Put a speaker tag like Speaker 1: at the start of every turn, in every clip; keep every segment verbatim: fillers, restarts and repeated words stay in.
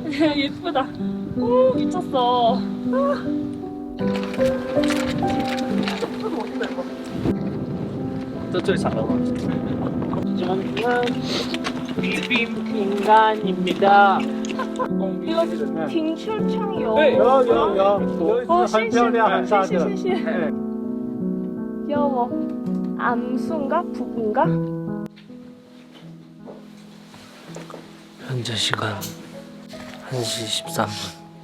Speaker 1: 예쁘다. 오, 미쳤어.
Speaker 2: 저쪽에 잘 나와. 저는 비빔인간입니다.
Speaker 1: 이거 빙출창이요.
Speaker 2: 네, 여기, 여기,
Speaker 1: 어,
Speaker 2: 여기. 한 편에 한 사드.
Speaker 1: 시시. 귀여워. 암수인가? 부부인가?
Speaker 3: 현재 시간 한 시 십삼 분.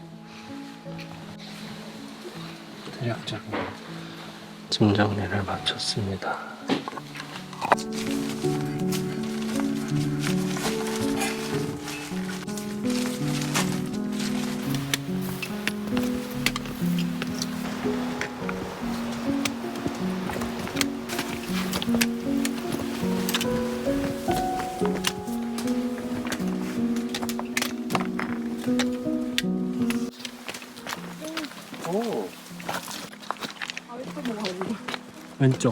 Speaker 3: 대략적인 짐 정리를 마쳤습니다.
Speaker 2: 오.
Speaker 3: 왼쪽.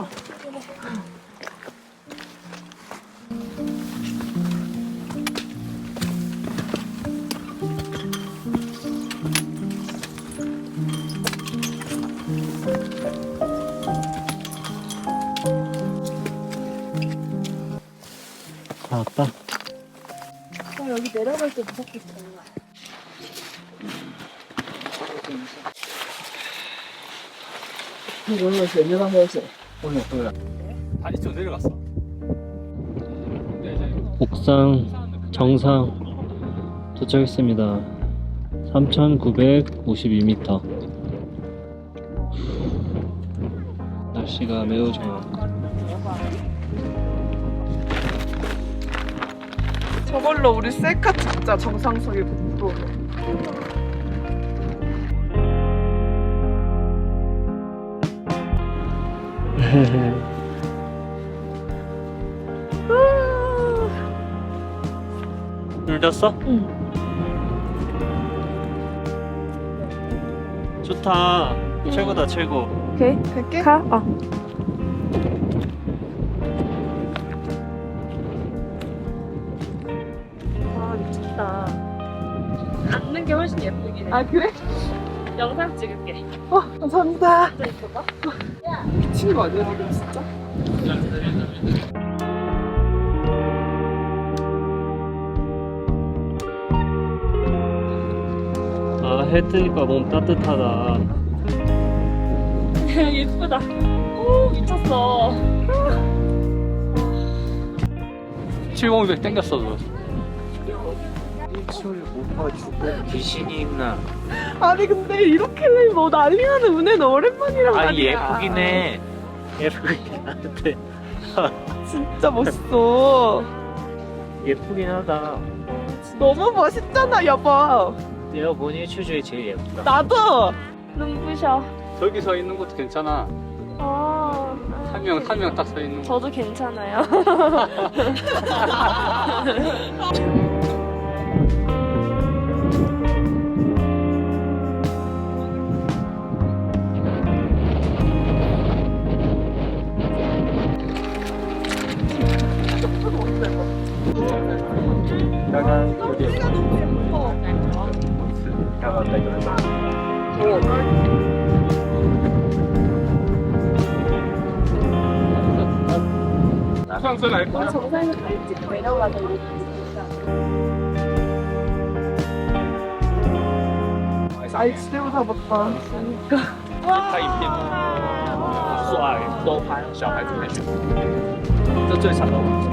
Speaker 3: 나왔다.
Speaker 1: 어, 여기 내려갈 때 무섭겠다.
Speaker 2: 다리 좀 내려갔어.
Speaker 3: 옥상 정상 도착했습니다. 삼천구백오십이 미터. 날씨가 매우 좋아.
Speaker 4: 저걸로 우리 셀카 찍자. 정상석에 붙고.
Speaker 3: 눌렸어?
Speaker 1: 응.
Speaker 3: 좋다. 최고다 최고.
Speaker 1: 오케이.
Speaker 4: 갈게.
Speaker 1: 가. 어. 아, 미쳤다. 앉는 게 훨씬 예쁘긴 해.
Speaker 4: 아 그래?
Speaker 1: 영상 찍을게.
Speaker 4: 어 감사합니다.
Speaker 1: 진짜 예쁘다.
Speaker 4: 미친 거 아니야 지금 진짜?
Speaker 3: 아, 해 뜨니까 너무 따뜻하다.
Speaker 1: 예쁘다. 오, 미쳤어.
Speaker 2: 칠공백 땡겼어, 너.
Speaker 3: 귀신이 있나?
Speaker 4: 아니 근데 이렇게 뭐 난리나는 은혜는 오랜만이란
Speaker 3: 아,
Speaker 4: 말이야.
Speaker 3: 예쁘긴 해. 예쁘긴 한데.
Speaker 4: 진짜 멋있어.
Speaker 3: 예쁘긴 하다.
Speaker 4: 너무 멋있잖아 여보.
Speaker 3: 내가 본 일출 중에 제일 예쁘다.
Speaker 4: 나도.
Speaker 1: 눈부셔.
Speaker 2: 저기 서 있는 것도 괜찮아.
Speaker 1: 아,
Speaker 2: 한 명, 한 명 딱 서 있는 거.
Speaker 1: 저도 괜찮아요.
Speaker 2: 약간 여기.
Speaker 4: 소리가 너무 예뻐.
Speaker 2: 약간 수상선 알 거야?
Speaker 1: 정상에서 갈지 내려가자.
Speaker 4: 아이 지대로 잡았다.
Speaker 2: 拍影片帅都拍小孩子拍摄这最长的我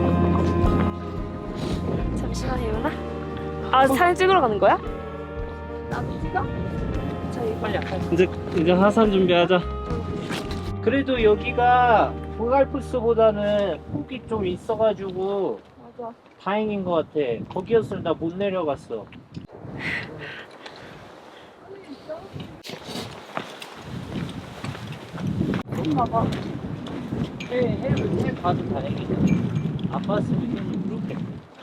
Speaker 1: 잠시만 예은아. 아, 사진 찍으러 가는 거야? 나도 찍어? 저희
Speaker 3: 빨리 이제 이제 하산 준비하자. 그래도 여기가 보갈프스보다는 폭이 좀 있어가지고
Speaker 1: 맞아.
Speaker 3: 다행인 것 같아. 거기였으면 나 못 내려갔어.
Speaker 1: 봐봐.
Speaker 3: 해, 해를 해 봐도 다행이다. 안 봤으면 계속 그렇게.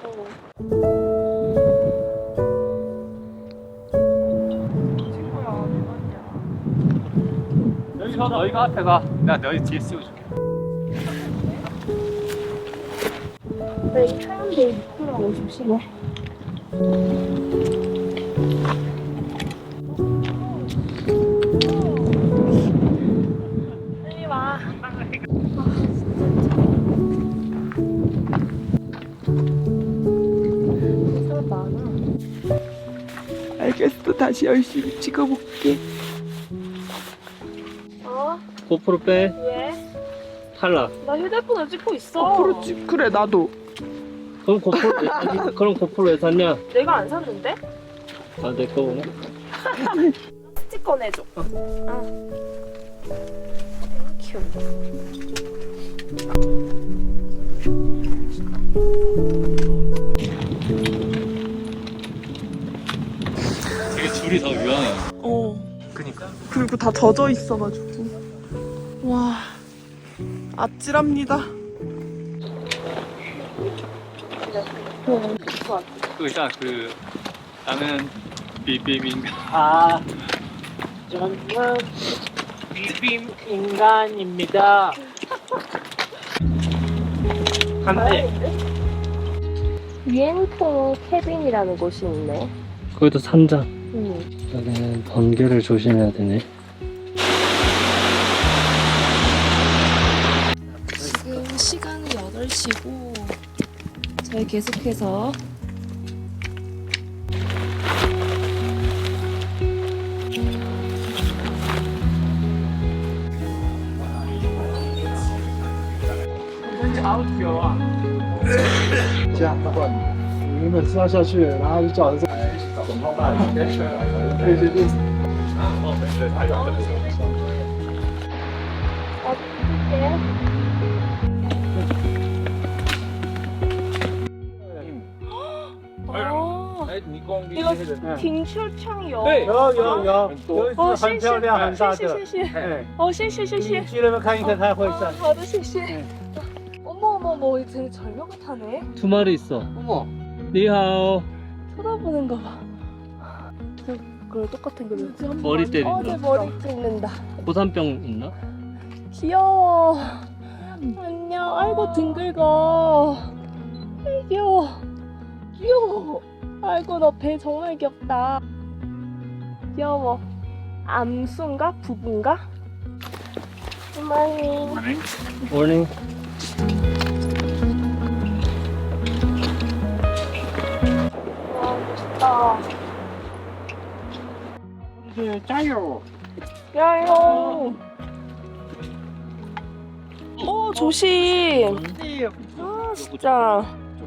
Speaker 4: 친구야 대박이야.
Speaker 2: 여기서 너희가 앞에 가. 내가 너희 뒤에 씌워줄게.
Speaker 1: 네, 촬영대 육십오십이네.
Speaker 4: 알겠어. 다시 열심히 찍어볼게.
Speaker 1: 어?
Speaker 3: 고프로 빼.
Speaker 1: 왜?
Speaker 3: 탈락.
Speaker 1: 나 휴대폰을 찍고 있어.
Speaker 4: 어, 그렇지. 그래, 나도.
Speaker 3: 그럼 고프로 왜 샀니? 그럼 고프로 왜 샀냐?
Speaker 1: 내가 안 샀는데?
Speaker 3: 아, 내 거구나.
Speaker 1: 스티커 내줘. 어. 땡큐.
Speaker 2: 되게 줄이 더 유연해.
Speaker 4: 어.
Speaker 2: 그니까.
Speaker 4: 그리고 다 젖어 있어가지고. 와, 아찔합니다.
Speaker 2: 그 있잖아 그 나는 비빔인가.
Speaker 3: 아, 저는 비빔 인간입니다. 한대.
Speaker 1: 유엔통 캐빈이라는 곳이 있네.
Speaker 3: 거기도 산장.
Speaker 1: 응.
Speaker 3: 여기는 번개를 조심해야 되네.
Speaker 1: 지금 시간이 여덟 시고 저희 계속해서 아,
Speaker 3: 哎，你光
Speaker 1: 那个停车场有。
Speaker 3: 对，有有有，有一
Speaker 1: 哦，
Speaker 3: 只很漂亮很大的，
Speaker 1: 谢谢谢谢。
Speaker 3: 哎，
Speaker 1: 哦，谢谢谢谢
Speaker 3: 你。去那边看一看，它会
Speaker 1: 哦
Speaker 3: 站。
Speaker 1: 好的，谢谢。 어머 어머 어머 되게 절묘가 타네.
Speaker 3: 두 마리 있어.
Speaker 2: 어머.
Speaker 3: 니하오.
Speaker 1: 쳐다보는 거 봐. 저 그걸 똑같은 거.
Speaker 3: 머리
Speaker 1: 어, 내
Speaker 3: 때린다.
Speaker 1: 머리 찢는다.
Speaker 3: 고산병 있나?
Speaker 1: 귀여워. 안녕. 아이고 등 긁어. 아이, 귀여워. 귀여워. 아이고 너 배 정말 귀엽다. 귀여워. 암수인가 부부인가? 고마워.
Speaker 3: 모닝.
Speaker 1: 와 멋있다.
Speaker 3: 加油！
Speaker 1: 야요. 오 조심. 아 진짜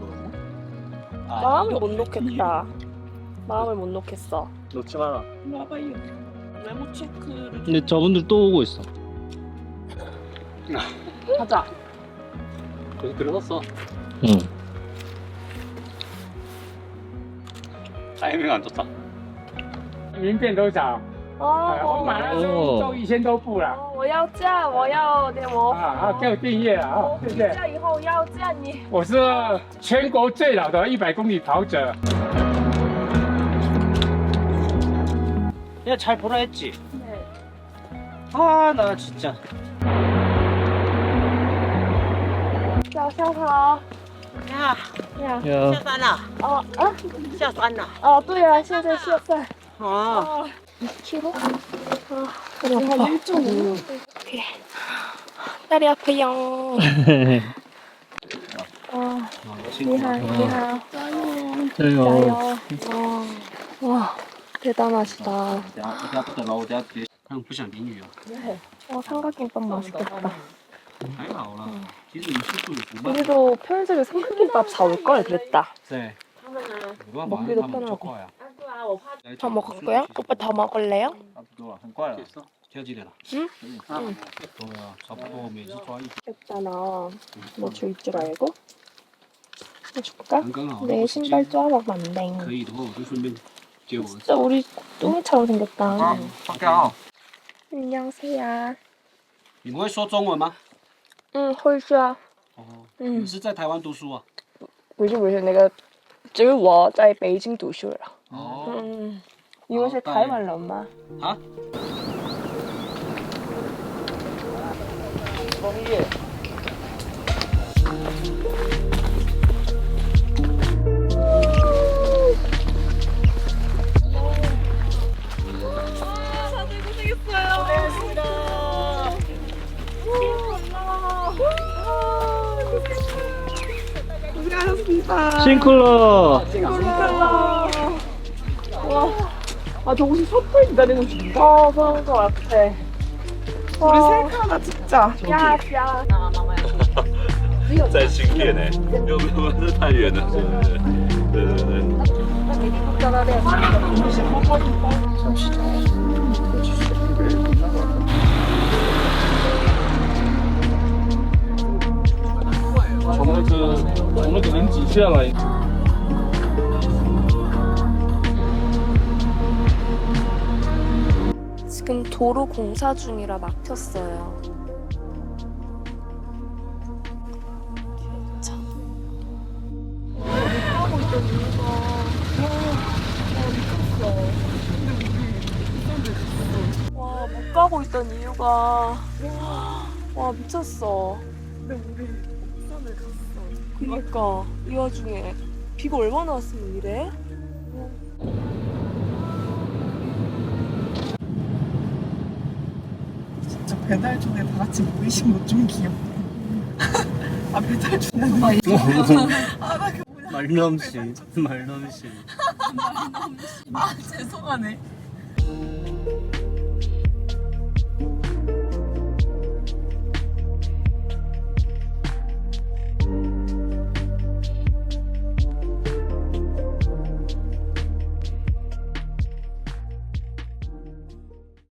Speaker 1: 마음을 못 놓겠다. 마음을 못 놓겠어.
Speaker 3: 놓지 마라.
Speaker 4: 와봐요. 메모 체크를
Speaker 3: 근데 저분들 또 오고 있어.
Speaker 4: 하자.
Speaker 2: 거기 들어섰어.
Speaker 3: 응.
Speaker 2: 타이밍 안 좋다.
Speaker 5: 名片多少？
Speaker 1: 哦，
Speaker 5: 我马上就中一千多部了。
Speaker 1: 哦我要嫁，我要点我。
Speaker 5: 啊，好，给我订阅了啊
Speaker 1: 我，
Speaker 5: 谢谢。
Speaker 1: 回家以后要嫁你。
Speaker 5: 我是全国最老的一百公里跑者。
Speaker 3: 야, 잘 보라 했지?
Speaker 1: 네.
Speaker 3: 아, 나 진짜.
Speaker 1: 早上好。
Speaker 6: 呀，
Speaker 1: 呀。
Speaker 3: 야,
Speaker 6: 下山了，
Speaker 1: 哦啊
Speaker 6: 下山了。
Speaker 1: 哦，对啊，现在现在。
Speaker 6: 哦，
Speaker 1: 哦。이 킬로그램. 아, 다리 아파. 한 일 점 오. 오케이. 다리 아파요. 아, 니하, 니하.
Speaker 3: 자요.
Speaker 1: 짜요. 와, 와, 대단하시다.
Speaker 2: 等下等下不等了，我等下直接。他们不想淋雨啊。
Speaker 1: 어, 삼각김밥 맛있겠다.
Speaker 2: 还好啦，其实你速度也不慢。
Speaker 1: 우리도 편의점에 삼각김밥 사올 걸 그랬다.
Speaker 2: 对。没办法，
Speaker 1: 먹기도
Speaker 2: 他们就
Speaker 1: 편하고.
Speaker 2: 快啊。
Speaker 1: 더 먹을게요? 오빠 더 먹을래요?
Speaker 2: 差不多了，很快了。挑几点了？
Speaker 1: 응?
Speaker 2: 嗯。对啊，差不多，每次抓一。
Speaker 1: 귀엽잖아. 너 줄 줄 알고? 해줄까?
Speaker 2: 刚刚好。
Speaker 1: 내 신발 쪼아먹으면 안
Speaker 2: 可
Speaker 1: 돼.
Speaker 2: 以的话，我就顺便接我儿子。
Speaker 1: 진짜 우리 뚱이처럼 생겼다.
Speaker 2: 放掉啊！
Speaker 1: 안녕하세요.
Speaker 2: 你们会说中文吗？
Speaker 1: 응, 홀수야.
Speaker 2: 哦。
Speaker 1: 응.
Speaker 2: 你是在台湾读书啊？
Speaker 1: 不是不是，那个只是我在北京读书了。
Speaker 2: 哦。
Speaker 1: 嗯，你们是台湾人吗？
Speaker 2: 啊？
Speaker 1: 다들 고생했어요. 고생했습니다.
Speaker 4: 고생하셨습니다.
Speaker 3: 싱클러.
Speaker 1: 와,
Speaker 4: 아 저곳이 셔틀 기다리는 중인가?
Speaker 1: 어, 그런 거 같아.
Speaker 4: 우리 셀카나 찍자.
Speaker 1: 야, 야.
Speaker 2: 在新店哎，又不是太远了，是不是？对对对。
Speaker 5: 从那个从那个人挤下来。
Speaker 1: 지금 도로 공사 중이라 막혔어요. 와, 못 가고 있던 이유가 와 미쳤어.
Speaker 4: 근데 우리 부산을 갔어.
Speaker 1: 그러니까 이 와중에 비가 얼마나 왔으면 이래?
Speaker 4: 진짜 배달 중에 다 같이 모이신 것 좀 귀엽네. 아 배달 중에 아나 그 뭐냐.
Speaker 3: 말넘심 말넘심
Speaker 4: 아 죄송하네.